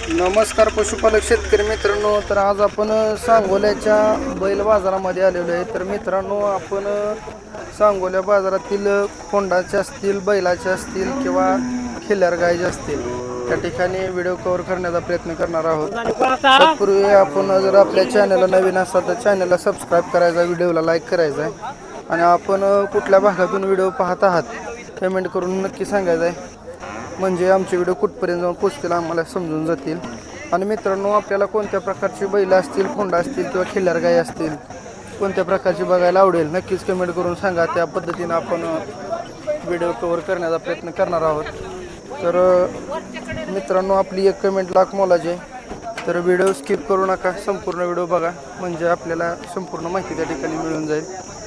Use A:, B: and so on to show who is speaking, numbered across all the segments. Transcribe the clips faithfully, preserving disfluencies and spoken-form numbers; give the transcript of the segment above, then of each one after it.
A: नमस्कार पशुपालक शेतकरी मित्रांनो, तर आज आपण सांगोल्याच्या बैल बाजारामध्ये आलेलो आहे. तर मित्रांनो, आपण सांगोल्या बाजारातील खोंडाचे असतील, बैलाचे असतील किंवा खिल्लार गायचे असतील त्या ठिकाणी व्हिडिओ कव्हर करण्याचा प्रयत्न करणार आहोत. तत्पूर्वी आपण जर आपल्या चॅनलला नवीन असाल तर चॅनलला सबस्क्राईब करायचा, व्हिडिओला लाईक करायचा आहे आणि आपण कुठल्या भागातून व्हिडिओ पाहत आहात कमेंट करून नक्की सांगायचं आहे, म्हणजे आमचे व्हिडिओ कुठपर्यंत जाऊन पोचतील आम्हाला समजून जातील. आणि मित्रांनो, आपल्याला कोणत्या प्रकारची बैल असतील, खोंडा असतील किंवा खिल्लार गाय असतील, कोणत्या प्रकारची बघायला आवडेल नक्कीच कमेंट करून सांगा. त्या पद्धतीनं आपण व्हिडिओ कव्हर करण्याचा प्रयत्न करणार आहोत. तर मित्रांनो, आपली एक कमेंट लाख मोलाची आहे, तर व्हिडिओ स्किप करू नका, संपूर्ण व्हिडिओ बघा, म्हणजे आपल्याला संपूर्ण माहिती त्या ठिकाणी मिळून जाईल.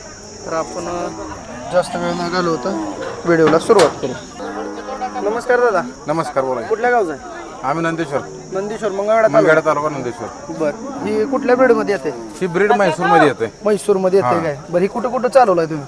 A: तर आपण जास्त वेळ न घालवता व्हिडिओला सुरुवात करू. नमस्कार दादा.
B: नमस्कार, बोला.
A: कुठल्या गावचा आहे?
B: आम्ही नंदेश्वर
A: नंदेश्वर मंगळवेढा
B: मंगळवेढा तालुका नंदेश्वर.
A: बरं, ही कुठल्या ब्रीड मध्ये येते?
B: ही ब्रीड म्हैसूर मध्ये येते.
A: म्हैसूर मध्ये येते काय? बरं, ही कुठं कुठं चालवलाय तुम्ही?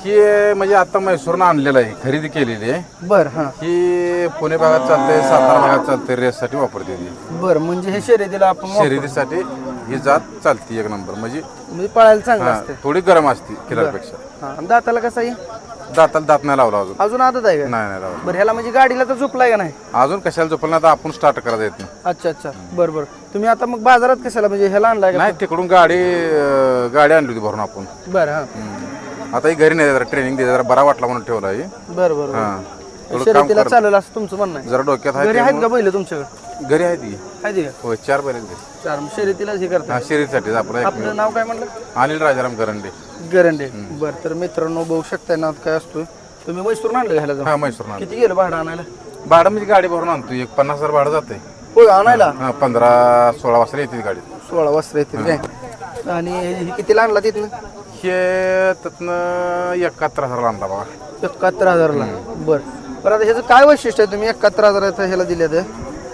B: ही म्हणजे आता म्हैसूरनं आणलेलं आहे, खरेदी केलेली आहे.
A: बरं, हां.
B: ही पुणे भागात चालते, सातारा भागात चालते, रेससाठी वापरते ती.
A: बरं, म्हणजे हे शर्यतीला आपण वापर-
B: शर्यतीसाठी ही जात चालते एक नंबर, म्हणजे
A: म्हणजे पळायला चांगलं
B: हा,
A: असते.
B: थोडी गरम असते किरापेक्षा.
A: हां, आणि दाताला कसं आहे?
B: दाताला दात नाही लावला अजून.
A: अजून आदत आहे का?
B: नाही नाही लावला
A: बरं, ह्याला म्हणजे गाडीला तर झोपलाय का नाही?
B: अजून. कशाला झोपलं आता आपण स्टार्ट करायला येत नाही.
A: अच्छा अच्छा, बरं बरं. तुम्ही आता मग बाजारात कशाला म्हणजे ह्याला आणलाय का?
B: नाही, तिकडून गाडी अं, गाडी आणली होती भरून आपण.
A: बरं, हां.
B: हम्म. आता ही घरी नाही, जरा ट्रेनिंग दे, जरा बरा वाटला म्हणून ठेवला आहे.
A: बरं बरं.
B: हा, थोडं काम
A: शर्यतीला
B: कर.
A: चालेल असं तुमचं म्हणणं आहे?
B: जरा डोक्यात
A: घरी
B: आहे
A: आहेत का बैल तुमच्याकडे?
B: घरी आहे ती.
A: आहे का?
B: होय, चार बैल आहेत.
A: चार, मग शर्यतीलाच हे करता.
B: हा, शर्यतीसाठी आपलं
A: आपलं नाव काय म्हणलं?
B: अनिल राजाराम करंडे.
A: गरंडे. बरं, तर मित्रांनो बघू शकताय नाव काय असतोय. तुम्ही म्हैसूर आणलं घ्यायला जाऊन?
B: हा, म्हैसूर ना.
A: किती गेलं भाडं आणायला?
B: भाडं म्हणजे गाडी भरून आणतो, एक पन्नास हजार भाडं जाते.
A: होय, आणायला
B: हा, पंधरा सोळा वाजता येते गाडी.
A: सोळा वाजता येतील काय? आणि हे कितीला आणला तिथनं?
B: हे त्यातनं एकाहत्तर हजार आणला बघा.
A: एकाहत्तर हजारला. बरं बरं, आता ह्याचं काय वैशिष्ट्य आहे? तुम्ही एकाहत्तर हजाराचं ह्याला दिले तर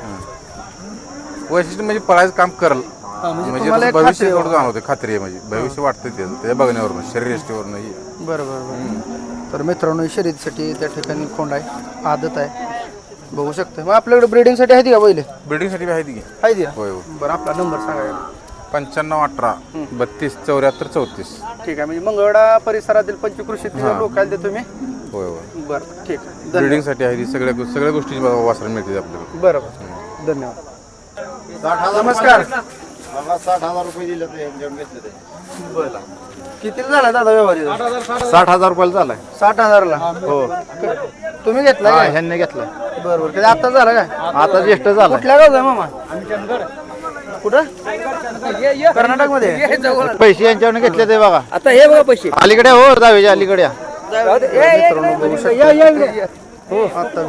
B: वैशिष्ट्य म्हणजे पळायचं काम करल,
A: म्हणजे
B: म्हणजे
A: तुम्हाला एक
B: भविष्य
A: खात्री आहे.
B: थोडं जाणवते, खात्री आहे, म्हणजे भविष्य वाटतं ते ते बघण्यावरून, शरीर यष्टीवरून.
A: बरं बरं बरं. तर मित्रांनो, शर्यतीसाठी त्या ठिकाणी खोंड आहे, आदत आहे, बघू शकता. मग आपल्याकडे ब्रिडिंगसाठी आहे का पहिले?
B: बिल्डिंगसाठी आहे ती.
A: आहे ती?
B: होय होय.
A: बरं, आपला नंबर सांगा.
B: पंच्याण्णव अठरा बत्तीस चौऱ्याहत्तर चौतीस.
A: ठीक आहे, म्हणजे मंगळवेढा परिसरातील पंचकृषीतील लोकांना देतो तुम्ही?
B: होय होय.
A: बरं, ठीक आहे.
B: बिल्डिंगसाठी आहे ती, सगळ्या सगळ्या गोष्टी वासर मिळते आपल्याला.
A: बरोबर, धन्यवाद. नमस्कार.
C: साठ हजार रुपये दिले ते.
A: बरं, किती झाला दादा व्यवहार?
C: साठ हजार रुपयाला झालाय.
A: साठ हजारला. हो, तुम्ही घेतला काय?
C: ह्यांनी घेतला.
A: बरं बरं. कधी आता झाला काय?
C: आता ज्येष्ठ झाला.
A: कुठल्या गावचा आहे मामा? कुठं? कर्नाटक मध्ये?
C: पैसे यांच्यावर घेतले ते बघा.
A: आता हे बघा पैसे
C: अलीकडे हो, दहावीच्या अलीकडे या.
A: मित्रांनो बघू शकता. हो, आता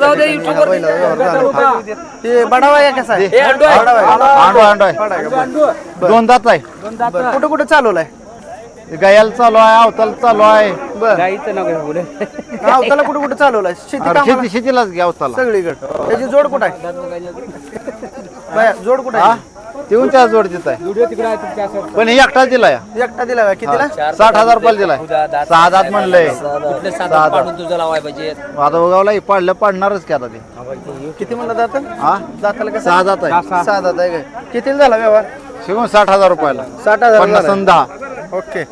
A: ते बडावा आहे कसा आहे?
C: आंडो आंडो आहे. दोन दात आहे.
A: कुठं कुठं चालवलाय?
C: गायाला चालू आहे, अवताला चालू आहे.
A: बरं, अवताला कुठं कुठं चालवलाय? शेती कामाला?
C: शेती शेतीलाच घ्या अवताला.
A: सगळीकडे. त्याची जोड कुठं आहे? बाया, जोड कुठं आहे?
C: देऊन त्या जोड देत आहे, पण हे एकटा दिला या.
A: एकटा दिला का? कितीला?
C: साठ हजार रुपयाला दिलाय. सहा दात म्हणलंय. सहा दात आता उगावला पाडलं पाडणारच की आता ते.
A: किती म्हणलं दात?
C: हा,
A: दाताला कसं?
C: सहा दात आहे.
A: सहा दात आहे काय? कितीला झाला व्यवहार?
C: शिकून साठ हजार रुपयाला.
A: साठ हजार
C: पन्नास
A: झाला.
C: आणि दहा.
A: ओके.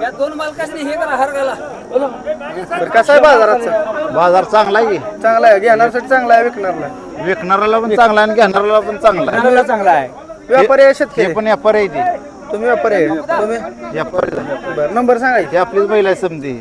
A: बरं, कसं आहे बाजाराचं?
C: बाजार चांगला आहे की.
A: चांगला आहे, घेणारसाठी चांगला आहे, विकणारला?
C: विकणाऱ्याला पण चांगला आहे आणि घेणाऱ्याला पण चांगला आहे.
A: चांगला आहे. व्यापारी आहे, शेतकरी?
C: हे पण व्यापार आहे ती.
A: तुम्ही व्यापारी आहे? तुम्ही?
C: व्यापारी आहे.
A: बरं, नंबर सांगायचे.
C: हे आपलीच बैल आहे समधी.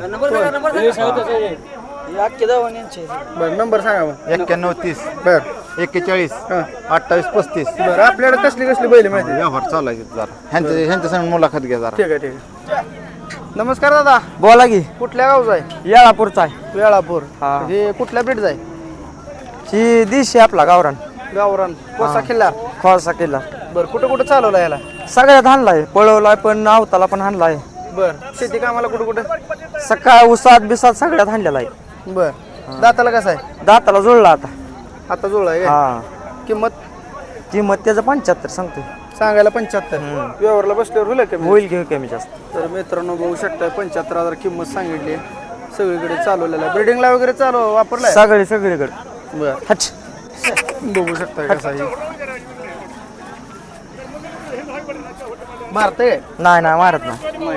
A: बरं, नंबर सांगा मग.
C: एक्क्याण्णव तीस
A: बरं
C: एक्केचाळीस
A: हां.
C: अठ्ठावीस पस्तीस.
A: बरं, आपल्याकडे कसली कसली बैल माहिती?
C: व्यवहार चालू आहे जरा. ह्यांच्या ह्यांच्या संग मुलाखत घ्या जरा.
A: ठीक आहे, ठीक आहे. नमस्कार दादा.
D: बोला की.
A: कुठल्या गावचा आहे?
D: येळापूरचा आहे.
A: वेळापूर.
D: हा.
A: हे कुठल्या ब्रीडचा आहे?
D: ही दिशी आपला गावरान
A: गावरान. कोसा किल्ला.
D: खोसा किल्ला.
A: बरं, कुठं कुठं चालवला याला?
D: सगळ्यात हाणलाय, पळवलाय पण आवताला पण हाणलाय.
A: बरं, शेती कामाला कुठं कुठं?
D: सकाळ उसात बिसात सगळ्यात हाणलेला आहे.
A: बरं, दाताला कसं आहे?
D: दाताला जुळला आता.
A: आता जुळला आहे काय?
D: हा,
A: किंमत
D: किंमत त्याचं पंच्याहत्तर सांगतोय.
A: सांगायला पंच्याहत्तर. व्यवहारला बसल्यावर होईल कमी?
D: होईल घेऊ कमी जास्त.
A: तर मित्रांनो बघू शकता, पंच्याहत्तर हजार किंमत सांगितली. सगळीकडे चालवलेला आहे, ब्रिडिंगला वगैरे चालू वापरलाय?
D: सगळे सगळीकडे.
A: बरं,
D: हच
A: बघू शकता कसा आहे. मारते
D: नाही नाही मारत नाही.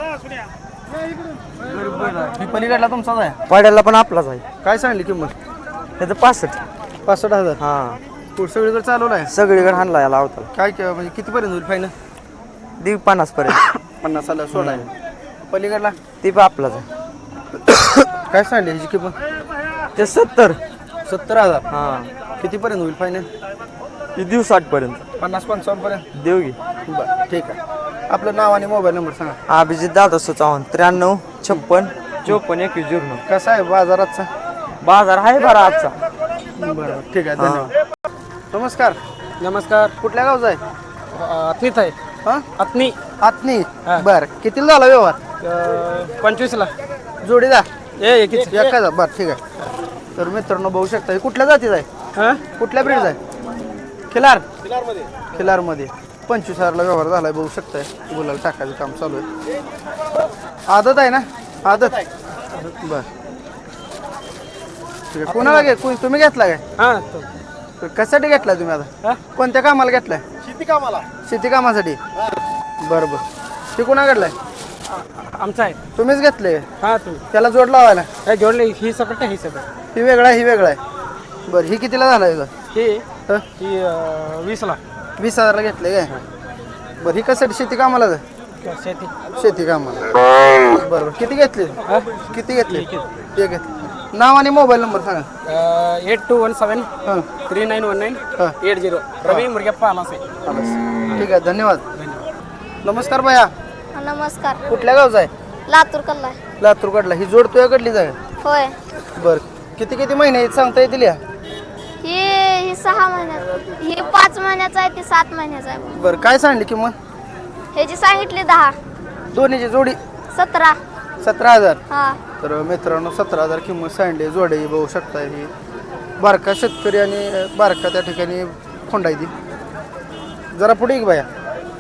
A: ही पलीकडला तुमचाच आहे.
D: पाड्याला पण आपलाच आहे.
A: काय सांगली किंमत?
D: त्याचं पासष्ट.
A: पासष्ट हजार.
D: हा
A: पुढं सगळीकडे चालवला आहे.
D: सगळीकडे हाणला याला अवताला.
A: काय के- म्हणजे कितीपर्यंत होईल फायनल?
D: दीड पन्नास पर्यंत.
A: पन्नास साला सोळा आहे. पलीकडला
D: ती पण आपलाच आहे.
A: काय सांगली ह्याची किंमत?
D: ते सत्तर.
A: सत्तर हजार.
D: हा
A: कितीपर्यंत होईल फायनल?
D: ती देऊ साठ पर्यंत.
A: पन्नास पंचावन्न पर्यंत.
D: देऊ घे.
A: बरं ठीक आहे. आपलं नाव आणि मोबाईल नंबर सांगा.
D: अभिजित दादा चव्हाण त्र्याण्णव छप्पन चोपन्न एकवीस झिरो.
A: कसा आहे बाजाराचा?
D: बाजार आहे बरा आजचा.
A: बरं ठीक आहे धन्यवाद. नमस्कार.
E: नमस्कार.
A: कुठल्या गावचा आहे?
E: अत्नीत आहे.
A: हां
E: अत्नी
A: आत्नी. बरं कितीला झाला व्यवहार?
E: पंचवीसला
A: जोडीदार
E: ए एकीच
A: एका जा बरं ठीक आहे. तर मित्रांनो बघू शकता हे कुठल्या जातीचा आहे?
E: हां
A: कुठल्या ब्रीडचा आहे? खिलार. खिलारमध्ये पंचवीस हजारला व्यवहार झालाय बघू शकताय. गुलाल टाकायचं काम चालू आहे. आदत आहे ना? आदत बर ठीक आहे. कोणाला घे कोण- तुम्ही घेतला काय?
E: हां
A: तर कशासाठी घेतलाय तुम्ही आता? कोणत्या कामाला घेतलाय? शेती कामाला. शेती कामासाठी बरं बरं. ते कोणा घेतलाय?
E: आमचा आहे.
A: तुम्हीच घेतले?
E: हां तू
A: त्याला जोड लावायला?
E: काय जोडले ही सकट ही सकट
A: ही वेगळा आहे ही वेगळा आहे. बरं ही कितीला झाला याचा?
E: ही
A: हं?
E: ही अं, वीसला
A: वीस हजारला घेतले काय? बरं ही कशासाठी शेती कामाला जाय?
E: शेती.
A: शेती कामाला. बरोबर किती घेतले? किती घेतले? एक घेतले. नाव आणि मोबाईल नंबर सांगा.
E: एट टू वन सेवन
A: हां
E: थ्री नाईन वन नाईन
A: हां
E: एट झिरो रवी मुरगप्पा आलासे.
A: ठीक आहे धन्यवाद. नमस्कार भैया.
F: नमस्कार.
A: कुठल्या गावचा आहे?
F: लातूर कल्ला.
A: लातूरकडला. ही जोड तुझ्याकडलीच आहे?
F: होय.
A: बरं किती किती महिने आहेत सांगता येतील या?
F: ही ही सहा महिन्यात ही पाच महिन्याचा आहे ती सात महिन्याचा आहे.
A: बरं काय सांगली किंमत?
F: ह्याची सांगितली दहा.
A: दोन्हीची जोडी
F: सतरा.
A: सतरा हजार.
F: हा
A: तर मित्रांनो सतरा हजार किंमत सांडली. जोडे बघू शकता ही बारका शेतकरी आणि बारका त्या ठिकाणी खोंडाय ती. जरा पुढे एक बाया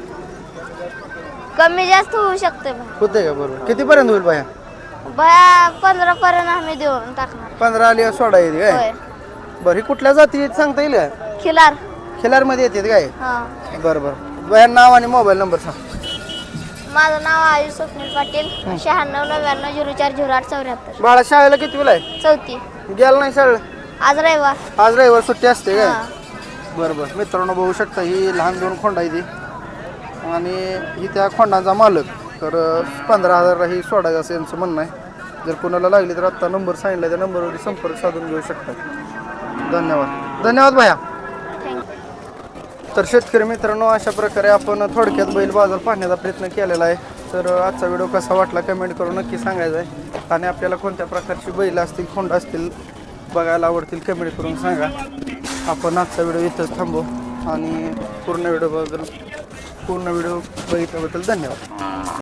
F: कमी जास्त होऊ शकते बा.
A: होते का? बरोबर कितीपर्यंत होईल बाया?
F: बया पंधरा पर्यंत आम्ही देऊन टाकणार.
A: पंधरा आली सोडा येते काय?
F: होय.
A: बरं ही कुठल्या जाती आहेत सांगता येईल का?
F: खिलार.
A: खिलारमध्ये येतात काय?
F: हा.
A: बरं बरं बाया नाव आणि मोबाईल नंबर सांग.
F: माझं नाव आयुष स्वप्नील पाटील. शहाण्णव नव्याण्णव झिरो चार झिरो आठ चौऱ्याहत्तर.
A: बाळा शाळेला किती वेळ आहे?
F: चौथी.
A: गेला नाही शाळेला?
F: आज रविवार.
A: आज रविवार सुट्टी असते काय?
F: हा.
A: बरं बरं मित्रांनो बघू शकता ही लहान दोन खोंड आहे ती आणि ही त्या खोंडांचा मालक. तर पंधरा हजारला ही सोडायचं असं यांचं म्हणणं आहे. जर कोणाला लागली तर आत्ता नंबर सांगितला त्या नंबरवर संपर्क साधून घेऊ शकता. धन्यवाद. धन्यवाद भैया.
F: थँक्यू.
A: तर शेतकरी मित्रांनो अशा प्रकारे आपण थोडक्यात बैल बाजार पाहण्याचा प्रयत्न केलेला आहे. तर आजचा व्हिडिओ कसा वाटला कमेंट करून नक्की सांगायचा आहे. आणि आपल्याला कोणत्या प्रकारची बैल असतील खोंड असतील बघायला आवडतील कमेंट करून सांगा. आपण आजचा व्हिडिओ इथंच थांबू आणि पूर्ण व्हिडिओबद्दल पूर्ण व्हिडिओ बघितल्याबद्दल धन्यवाद.